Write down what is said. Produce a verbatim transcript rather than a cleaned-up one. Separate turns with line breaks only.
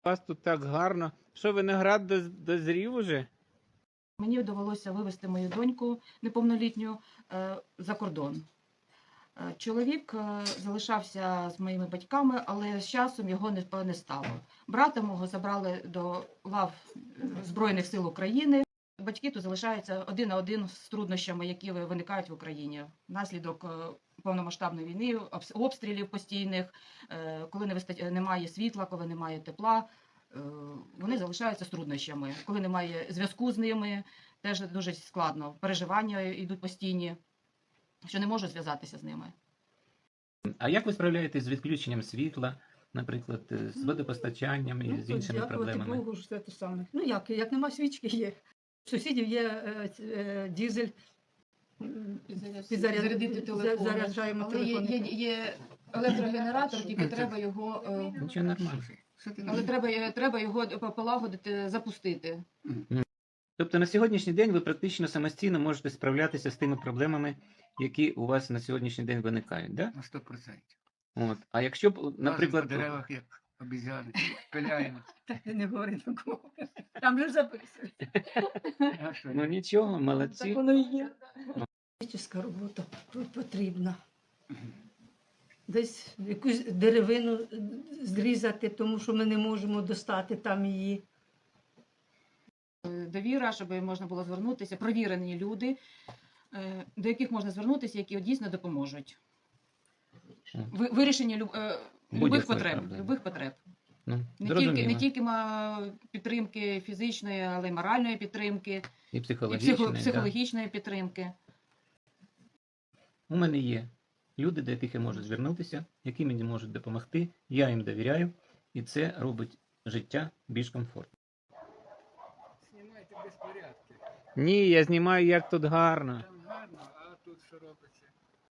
У вас тут так гарно. Що, виноград доз- дозрів уже?
Мені довелося вивезти мою доньку неповнолітню е, за кордон. Е, Чоловік е, залишався з моїми батьками, але з часом його не, не стало. Брата мого забрали до лав е, Збройних сил України. Батьки тут залишаються один на один з труднощами, які виникають в Україні внаслідок е, повномасштабної війни, обс- обстрілів постійних, е, коли не виста- немає світла, коли немає тепла. Е, Вони залишаються з труднощами. Коли немає зв'язку з ними, теж дуже складно. Переживання йдуть постійні, що не можуть зв'язатися з ними.
А як ви справляєтесь з відключенням світла, наприклад, е, з водопостачанням і
Ну,
з іншими
дякувати
проблемами?
Богу, що це те саме. Ну як, як нема свічки, є. У сусідів є е, ц- е, дізель. м, підзаряд-
Зарядити
за-
телефони.
Заряджаємо
Але є,
телефони.
є, є електрогенератор, тільки треба його, е,
Нічого нормально.
але треба, треба його полагодити, запустити.
Тобто на сьогоднішній день ви практично самостійно можете справлятися з тими проблемами, які у вас на сьогоднішній день виникають, да?
На сто процентів.
От. А якщо б, наприклад,
Наприклад, по деревах, як обізяни, пиляємо.
Та не говори такого. Там же записують.
А що,
ну нічого, молодці.
Так воно і є. Фізична робота тут потрібна. Десь якусь деревину зрізати, тому що ми не можемо достати там її.
Довіра, щоб можна було звернутися, провірені люди, е, до яких можна звернутися, які дійсно допоможуть. Ви- Вирішення люб, е, любих
Будь-якої
потреб,
проблеми.
любих потреб.
Ну,
Не тільки,
зрозуміло.
не тільки ма- підтримки фізичної, але й моральної підтримки,
І
і
психологічний,
психо,
да.
психологічної підтримки.
У мене є люди, до яких я можу звернутися, які мені можуть допомогти, я їм довіряю, і це робить життя більш комфортним.
Знімайте безпорядки.
Ні, я знімаю, як тут гарно.
Там гарно, а тут що робиться?